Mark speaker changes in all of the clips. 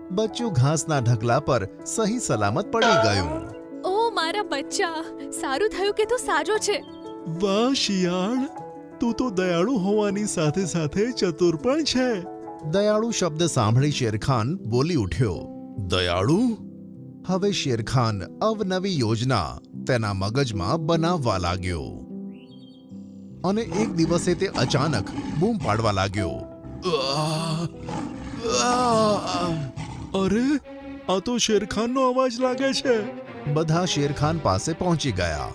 Speaker 1: બચ્ચું ઘાસના ઢગલા પર સહી સલામત પડી ગયું.
Speaker 2: ઓ મારા બચ્ચા, સારું થયું કે તું સાજો છે.
Speaker 3: વાહ શિયાળ, તું તો દયાળુ હોવાની સાથે સાથે ચતુર પણ છે.
Speaker 1: દયાળુ શબ્દ સાંભળી શેરખાન બોલી ઉઠ્યો.
Speaker 3: દયાળુ?
Speaker 1: હવે શેરખાન અવનવી યોજના તેના મગજમાં બનાવવા લાગ્યો અને એક દિવસે તે અચાનક બૂમ પાડવા લાગ્યો.
Speaker 3: આહ! આહ! અરે, આ તો શેરખાનનો અવાજ લાગે છે.
Speaker 1: બધા શેરખાન પાસે પહોંચી ગયા.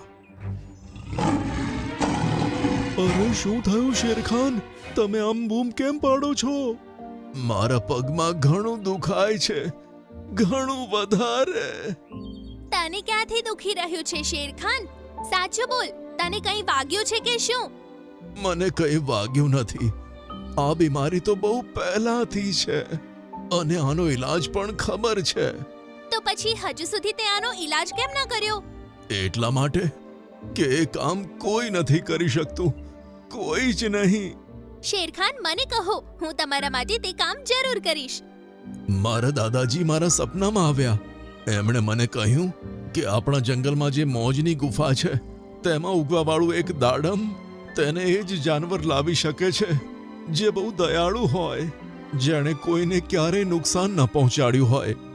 Speaker 3: અરે, શું થયું શેરખાન? તમે આમ બૂમ કેમ પાડો છો? મારા પગમાં ઘણું દુખાય છે, ઘણું વધારે.
Speaker 2: તને ક્યાંથી દુખી રહ્યું છે શેરખાન? સાચું બોલ, તને કંઈ વાગ્યું છે કે શું?
Speaker 3: મને કંઈ વાગ્યું નથી. આ બીમારી તો બહુ પહેલાથી છે અને આનો ઈલાજ પણ ખબર છે.
Speaker 2: તો પછી હજુ સુધી તે આનો ઈલાજ કેમ ન કર્યો?
Speaker 3: એટલા માટે કે એ કામ કોઈ નથી કરી શકતું, કોઈ જ નહીં.
Speaker 2: શેરખાન, મને કહો, હું તમારા માટે તે કામ જરૂર કરીશ.
Speaker 3: મારા દાદાજી મારા સપનામાં આવ્યા. એમણે મને કહ્યું કે આપણા જંગલમાં જે મોજની ગુફા છે તેમાં ઉગવાવાળું એક દાડમ, તેને એ જ જાનવર લાવી શકે છે જે બહુ દયાળુ હોય, જેણે કોઈને ક્યારેય નુકસાન ન પહોંચાડ્યું હોય.